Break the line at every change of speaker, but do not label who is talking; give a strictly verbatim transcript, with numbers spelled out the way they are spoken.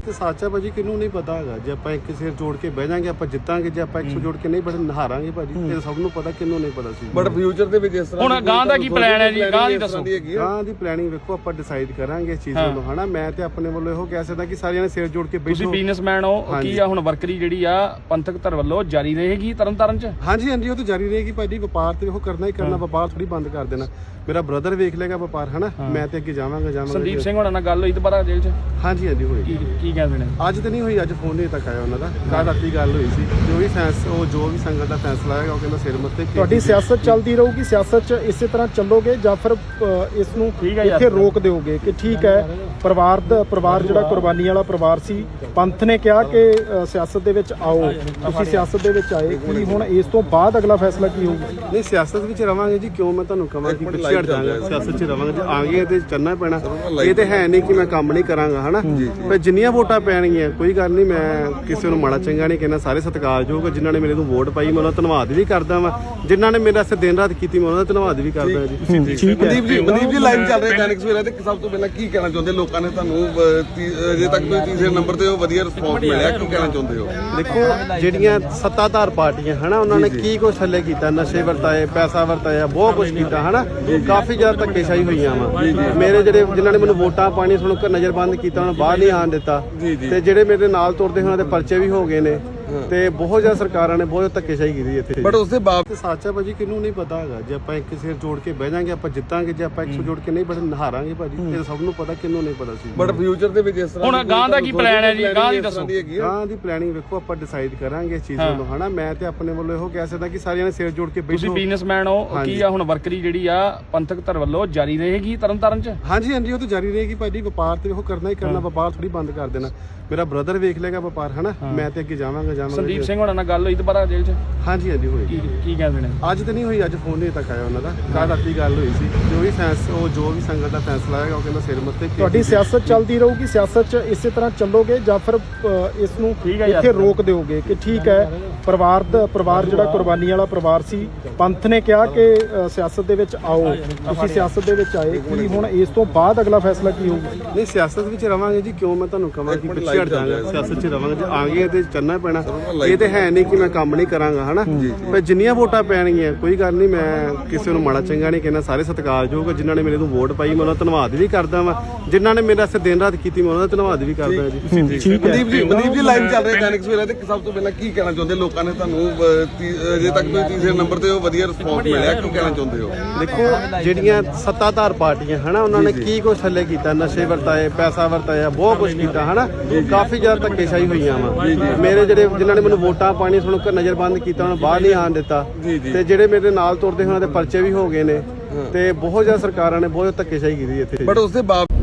ਤੇ ਸੱਚ ਹੈ ਭਾਜੀ, ਕਿਹਨੂੰ ਨਹੀਂ ਪਤਾ ਹੈਗਾ। ਜੇ ਆਪਾਂ ਇੱਕ ਸਿਰ ਜੋੜ ਕੇ ਬਹਿ ਜਾਾਂਗੇ ਆਪਾਂ ਜਿੱਤਾਂਗੇ, ਜੇ ਆਪਾਂ ਇੱਕ ਸੌ ਜੋੜ ਕੇ ਨਹੀਂ ਬੜੇ ਹਾਰਾਂਗੇ ਭਾਜੀ। ਇਹ ਸਭ ਨੂੰ ਪਤਾ, ਕਿਹਨੂੰ ਨਹੀਂ ਪਤਾ ਸੀ।
ਬਟ ਫਿਊਚਰ ਦੇ ਵਿੱਚ ਇਸ ਤਰ੍ਹਾਂ
ਹੁਣ ਗਾਂ ਦਾ ਕੀ ਪਲਾਨ ਹੈ ਜੀ? ਗਾਂ ਦੀ ਦੱਸੋ।
ਗਾਂ ਦੀ ਪਲੈਨਿੰਗ ਵੇਖੋ, ਆਪਾਂ ਡਿਸਾਈਡ ਕਰਾਂਗੇ ਇਸ ਚੀਜ਼ ਨੂੰ ਹਨਾ। ਮੈਂ ਤੇ ਆਪਣੇ ਵੱਲੋਂ ਇਹੋ ਕਹਿ ਸਕਦਾ ਕਿ ਸਾਰਿਆਂ ਨੇ ਸਿਰ ਜੋੜ ਕੇ ਬੈਠੋ।
ਤੁਸੀਂ ਬਿਜ਼ਨਸਮੈਨ ਹੋ, ਕੀ ਆ ਹੁਣ ਵਰਕਰੀ ਜਿਹੜੀ ਆ ਪੰਥਕ ਧਰ ਵੱਲੋਂ ਜਾਰੀ ਰਹੇਗੀ ਤਰਨਤਾਰਨ ਚ?
ਹਾਂਜੀ ਹਾਂਜੀ, ਉਹ ਤਾਂ ਜਾਰੀ ਰਹੇਗੀ ਭਾਜੀ। ਵਪਾਰ ਤੇ ਉਹ ਕਰਨਾ ਹੀ ਕਰਨਾ, ਵਪਾਰ ਥੋੜੀ ਬੰਦ ਕਰ ਦੇਣਾ। ਮੇਰਾ ਬ੍ਰਦਰ ਵੇਖ ਲੇਗਾ ਵਪਾਰ ਹਨਾ, ਮੈਂ ਤੇ ਅੱਗੇ ਜਾਵਾਂਗਾ ਜਾਵਾਂਗਾ।
ਸੰਦੀਪ ਸਿੰਘ ਹੋਣਾ ਨਾਲ ਗੱਲ ਹੋਈ ਦੁਬਾਰਾ ਜੇਲ੍ਹ ਚ?
ਹਾਂਜੀ ਹਾਂਜੀ ਹੋਈ।
ਕੀ ਕੀ ਕਹਿੰਦੇ ਨੇ?
ਅੱਜ ਤੇ ਨਹੀਂ ਹੋਈ, ਅੱਜ ਫੋਨ ਨਹੀਂ ਤੱਕ ਆਇਆ ਉਹਨਾਂ ਦਾ। ਕੱਲ ਰਾਤੀ ਗੱਲ ਹੋਈ ਸੀ। ਜੋ ਵੀ ਫੈਸਲਾ, ਉਹ ਜੋ ਵੀ ਸੰਗਤ ਦਾ ਫੈਸਲਾ ਹੈਗਾ, ਉਹ ਕਹਿੰਦਾ ਸਿਰ ਮੱਥੇ।
ਤੁਹਾਡੀ ਸਿਆਸਤ ਚੱਲਦੀ ਰਹੂਗੀ, ਸਿਆਸਤ 'ਚ ਇਸੇ ਤਰ੍ਹਾਂ ਚੱਲੋਗੇ ਜਾਂ ਫਿਰ ਇਸ ਨੂੰ ਇੱਥੇ ਰੋਕ ਦਿਓਗੇ ਕਿ ਠੀਕ ਹੈ ਪਰਿਵਾਰ ਦਾ ਪਰਿਵਾਰ ਜਿਹੜਾ ਕੁਰਬਾਨੀ ਵਾਲਾ ਪਰਿਵਾਰ ਸੀ, ਪੰਥ ਨੇ ਕਿਹਾ ਕਿ ਸਿਆਸਤ ਦੇ ਵਿੱਚ ਆਓ, ਤੁਸੀਂ ਸਿਆਸਤ ਦੇ ਵਿੱਚ ਆਏ, ਕਿ ਹੁਣ ਇਸ ਤੋਂ ਬਾਅਦ ਅਗਲਾ ਫੈਸਲਾ ਕੀ ਹੋਊਗਾ?
ਨਹੀਂ, ਸਿਆਸਤ ਵਿੱਚ ਰਵਾਂਗੇ ਜੀ। ਕਿਉਂ ਮੈਂ ਤੁਹਾਨੂੰ ਕਹਾਂ ਕਿ ਪਿੱਛੇ ਹਟ ਜਾਵਾਂਗਾ, ਸਿਆਸਤ 'ਚ ਰਵਾਂਗੇ। ਜੇ ਆ ਗਏ ਤੇ ਚੱਲਣਾ ਪੈਣਾ। ਇਹ ਤੇ ਹੈ ਨਹੀਂ ਕਿ ਮੈਂ ਕੰਮ ਨਹੀਂ ਕਰਾਂਗਾ ਹਨਾ। ਪਰ ਜਿੰਨੀਆਂ ਵੋਟਾਂ ਪੈਣਗੀਆਂ ਕੋਈ ਗੱਲ ਨਹੀਂ, ਮੈਂ ਕਿਸੇ ਨੂੰ ਮਾੜਾ ਚੰਗਾ ਨਹੀਂ ਕਹਿੰਦਾ। ਸਾਰੇ ਸਤਿਕਾਰਯੋਗ ਜਿਨ੍ਹਾਂ ਨੇ ਮੇਰੇ ਨੂੰ ਵੋਟ ਪਾਈ, ਮੈਂ ਉਹਨਾਂ ਦਾ ਧੰਨਵਾਦ ਵੀ ਕਰਦਾ ਵਾਂ। ਜਿਨ੍ਹਾਂ ਨੇ ਮੇਰੇ ਵਾਸਤੇ ਦਿਨ ਰਾਤ ਕੀਤੀ, ਮੈਂ ਉਹਨਾਂ ਦਾ ਧੰਨਵਾਦ ਵੀ ਕਰਦਾ ਜੀ।
ਮਨਦੀਪ ਜੀ, ਮਨਦੀਪ ਜੀ ਲਾਈਵ ਚੱਲ ਰਿਹਾ ਦੈਨਿਕ ਸਵੇਰਾ ਤੇ ਸਭ ਤੋਂ ਪਹਿਲਾਂ ਕੀ ਕਹਿਣਾ ਚਾਹੁੰਦੇ? ਲੋਕਾਂ ਨੇ ਤੁਹਾਨੂੰ ਅਜੇ ਤੱਕ ਤੁਸੀਂ ਤੀਸਰੇ ਨੰਬਰ ਤੇ ਹੋ, ਵਧੀਆ ਰਿਸਪੌਂਸ ਮਿਲਿਆ, ਕੀ ਕਹਿਣਾ ਚਾਹੁੰਦੇ ਹੋ?
ਦੇਖੋ, ਜਿਹੜੀਆਂ ਸੱਤਾਧਾਰ ਪਾਰਟੀਆਂ ਹਨਾ, ਉਹਨਾਂ ਨੇ ਕੀ ਕੁਛ ਥੱਲੇ ਕੀਤਾ, ਨਸ਼ੇ ਵਰਤਾਏ, ਪੈਸਾ ਵਰਤਾਇਆ, ਬਹੁਤ ਕੁਛ ਕੀਤਾ ਹਨਾ। ਕਾਫੀ ਜ਼ਿਆਦਾ ਧੱਕੇਸ਼ਾਹੀ ਹੋਈਆਂ ਵਾ। ਮੇਰੇ ਜਿਹੜੇ ਜਿਨ੍ਹਾਂ ਨੇ ਮੈਨੂੰ ਵੋਟਾਂ ਪਾਣੀ ਤੁਹਾਨੂੰ ਘਰ ਨਜ਼ਰਬੰਦ ਕੀਤਾ, ਉਹਨਾਂ ਨੂੰ ਬਾਹਰ ਨਹੀਂ ਆਉਣ ਦਿੱਤਾ। ਤੇ ਜਿਹੜੇ ਮੇਰੇ ਨਾਲ ਤੁਰਦੇ ਉਹਨਾਂ ਦੇ ਪਰਚੇ ਵੀ ਹੋ ਗਏ ਨੇ। ਤੇ ਬਹੁਤ ਜ਼ਿਆਦਾ ਸਰਕਾਰਾਂ ਨੇ ਬਹੁਤ ਧੱਕੇਸ਼ਾਹੀ ਕੀਤੀ ਇੱਥੇ।
ਬਟ ਉਸਦੇ ਬਾਅਦ
ਤੇ ਸੱਚ ਹੈ ਭਾਜੀ, ਕਿਹਨੂੰ ਨਹੀਂ ਪਤਾ ਹੈਗਾ। ਜੇ ਆਪਾਂ ਇੱਕ ਸਿਰ ਜੋੜ ਕੇ ਬਹਿ ਜਾਾਂਗੇ ਆਪਾਂ ਜਿੱਤਾਂਗੇ, ਜੇ ਆਪਾਂ ਇੱਕ ਸੌ ਜੋੜ ਕੇ ਨਹੀਂ ਬੜੇ ਹਾਰਾਂਗੇ ਭਾਜੀ। ਇਹ ਸਭ ਨੂੰ ਪਤਾ, ਕਿਹਨੂੰ ਨਹੀਂ ਪਤਾ ਸੀ।
ਬਟ ਫਿਊਚਰ ਦੇ ਵਿੱਚ ਇਸ ਤਰ੍ਹਾਂ
ਹੁਣ ਗਾਂ ਦਾ ਕੀ ਪਲਾਨ ਹੈ ਜੀ? ਗਾਂ ਦੀ ਦੱਸੋ।
ਗਾਂ ਦੀ ਪਲੈਨਿੰਗ ਵੇਖੋ, ਆਪਾਂ ਡਿਸਾਈਡ ਕਰਾਂਗੇ ਇਸ ਚੀਜ਼ ਨੂੰ ਹਨਾ। ਮੈਂ ਤੇ ਆਪਣੇ ਵੱਲੋਂ ਇਹੋ ਕਹਿ ਸਕਦਾ ਕਿ ਸਾਰਿਆਂ ਨੇ ਸਿਰ ਜੋੜ ਕੇ ਬੈਠੋ।
ਤੁਸੀਂ ਬਿਜ਼ਨਸਮੈਨ ਹੋ, ਕੀ ਆ ਹੁਣ ਵਰਕਰੀ ਜਿਹੜੀ ਆ ਪੰਥਕ ਧਰ ਵੱਲੋਂ ਜਾਰੀ ਰਹੇਗੀ ਤਰਨਤਾਰਨ ਚ?
ਹਾਂਜੀ ਹਾਂਜੀ, ਉਹ ਤਾਂ ਜਾਰੀ ਰਹੇਗੀ ਭਾਜੀ। ਵਪਾਰ ਤੇ ਉਹ ਕਰਨਾ ਹੀ ਕਰਨਾ, ਵਪਾਰ ਥੋੜੀ ਬੰਦ ਕਰ ਦੇਣਾ। ਮੇਰਾ ਬ੍ਰਦਰ ਵੇਖ ਲੇਗਾ ਵਪਾਰ ਹਨਾ, ਮੈਂ ਤੇ ਅੱਗੇ ਜਾਵਾਂਗਾ ਜਾਵਾਂਗਾ।
ਸੰਦੀਪ ਸਿੰਘ ਹੋਣਾ ਨਾਲ ਗੱਲ ਹੋਈ ਦੁਬਾਰਾ ਜੇਲ੍ਹ ਚ?
ਹਾਂਜੀ ਹਾਂਜੀ ਹੋਈ।
ਕੀ ਕੀ ਕਹਿੰਦੇ ਨੇ?
ਅੱਜ ਤੇ ਨਹੀਂ ਹੋਈ, ਅੱਜ ਫੋਨ ਨਹੀਂ ਤੱਕ ਆਇਆ ਉਹਨਾਂ ਦਾ। ਕੱਲ ਰਾਤੀ ਗੱਲ ਹੋਈ ਸੀ। ਜੋ ਵੀ ਫੈਸਲਾ, ਉਹ ਜੋ ਵੀ ਸੰਗਤ ਦਾ ਫੈਸਲਾ ਹੈਗਾ, ਉਹ ਕਹਿੰਦਾ ਸਿਰ ਮੱਥੇ।
ਤੁਹਾਡੀ ਸਿਆਸਤ ਚੱਲਦੀ ਰਹੂਗੀ, ਸਿਆਸਤ 'ਚ ਇਸੇ ਤਰ੍ਹਾਂ ਚੱਲੋਗੇ ਜਾਂ ਫਿਰ ਇਸ ਨੂੰ ਇੱਥੇ ਰੋਕ ਦਿਓਗੇ ਕਿ ਠੀਕ ਹੈ ਪਰਿਵਾਰ ਦਾ ਪਰਿਵਾਰ ਜਿਹੜਾ ਕੁਰਬਾਨੀ ਵਾਲਾ ਪਰਿਵਾਰ ਸੀ, ਪੰਥ ਨੇ ਕਿਹਾ ਕਿ ਸਿਆਸਤ ਦੇ ਵਿੱਚ ਆਓ, ਤੁਸੀਂ ਸਿਆਸਤ ਦੇ ਵਿੱਚ ਆਏ, ਕਿ ਹੁਣ ਇਸ ਤੋਂ ਬਾਅਦ ਅਗਲਾ ਫੈਸਲਾ ਕੀ ਹੋਊਗਾ?
ਨਹੀਂ, ਸਿਆਸਤ ਵਿੱਚ ਰਵਾਂਗੇ ਜੀ। ਕਿਉਂ ਮੈਂ ਤੁਹਾਨੂੰ ਕਹਾਂ ਕਿ ਪਿੱਛੇ ਹਟ ਜਾਵਾਂਗਾ, ਸਿਆਸਤ 'ਚ ਰਵਾਂਗੇ। ਜੇ ਆ ਗਏ ਤੇ ਚੱਲਣਾ ਪੈਣਾ। ਇਹ ਤੇ ਹੈ ਨਹੀਂ ਕਿ ਮੈਂ ਕੰਮ ਨਹੀਂ ਕਰਾਂਗਾ ਹਨਾ। ਪਰ ਜਿੰਨੀਆਂ ਵੋਟਾਂ ਪੈਣਗੀਆਂ ਕੋਈ ਗੱਲ ਨਹੀਂ, ਮੈਂ ਕਿਸੇ ਨੂੰ ਮਾੜਾ ਚੰਗਾ ਨਹੀਂ ਕਹਿੰਦਾ। ਸਾਰੇ ਸਤਿਕਾਰਯੋਗ ਜਿਨ੍ਹਾਂ ਨੇ ਮੇਰੇ ਨੂੰ ਵੋਟ ਪਾਈ, ਮੈਂ ਉਹਨਾਂ ਦਾ ਧੰਨਵਾਦ ਵੀ ਕਰਦਾ ਵਾਂ। ਜਿਨ੍ਹਾਂ ਨੇ ਮੇਰੇ ਵਾਸਤੇ ਦਿਨ ਰਾਤ ਕੀਤੀ, ਮੈਂ ਉਹਨਾਂ ਦਾ ਧੰਨਵਾਦ ਵੀ ਕਰਦਾ ਜੀ।
ਮਨਦੀਪ ਜੀ, ਮਨਦੀਪ ਜੀ ਲਾਈਵ ਚੱਲ ਰਿਹਾ ਦੈਨਿਕ ਸਵੇਰਾ ਤੇ ਸਭ ਤੋਂ ਪਹਿਲਾਂ ਕੀ ਕਹਿਣਾ ਚਾਹੁੰਦੇ? ਲੋਕਾਂ ਨੇ ਤੁਹਾਨੂੰ ਅਜੇ ਤੱਕ ਤੁਸੀਂ ਤੀਸਰੇ ਨੰਬਰ ਤੇ ਹੋ, ਵਧੀਆ ਰਿਸਪੌਂਸ ਮਿਲਿਆ, ਕੀ ਕਹਿਣਾ ਚਾਹੁੰਦੇ ਹੋ?
ਦੇਖੋ, ਜਿਹੜੀਆਂ ਸੱਤਾਧਾਰ ਪਾਰਟੀਆਂ ਹਨਾ, ਉਹਨਾਂ ਨੇ ਕੀ ਕੁਛ ਥੱਲੇ ਕੀਤਾ, ਨਸ਼ੇ ਵਰਤਾਏ, ਪੈਸਾ ਵਰਤਾਇਆ, ਬਹੁਤ ਕੁਛ ਕੀਤਾ ਹਨਾ। ਕਾਫੀ ਜ਼ਿਆਦਾ ਧੱਕੇਸ਼ਾਹੀ ਹੋਈਆਂ ਵਾ। ਮੇਰੇ ਜਿਹੜੇ ਜਿਨ੍ਹਾਂ ਨੇ ਮੈਨੂੰ ਵੋਟਾਂ ਪਾਣੀ ਤੁਹਾਨੂੰ ਘਰ ਨਜ਼ਰਬੰਦ ਕੀਤਾ, ਉਹਨਾਂ ਨੂੰ ਬਾਹਰ ਨਹੀਂ ਆਉਣ ਦਿੱਤਾ। ਤੇ ਜਿਹੜੇ ਮੇਰੇ ਨਾਲ ਤੁਰਦੇ ਉਹਨਾਂ ਦੇ ਪਰਚੇ ਵੀ ਹੋ ਗਏ ਨੇ। ਤੇ ਬਹੁਤ ਜ਼ਿਆਦਾ ਸਰਕਾਰਾਂ ਨੇ ਬਹੁਤ ਧੱਕੇਸ਼ਾਹੀ ਕੀਤੀ ਇੱਥੇ।
ਬਟ ਉਸਦੇ ਬਾਅਦ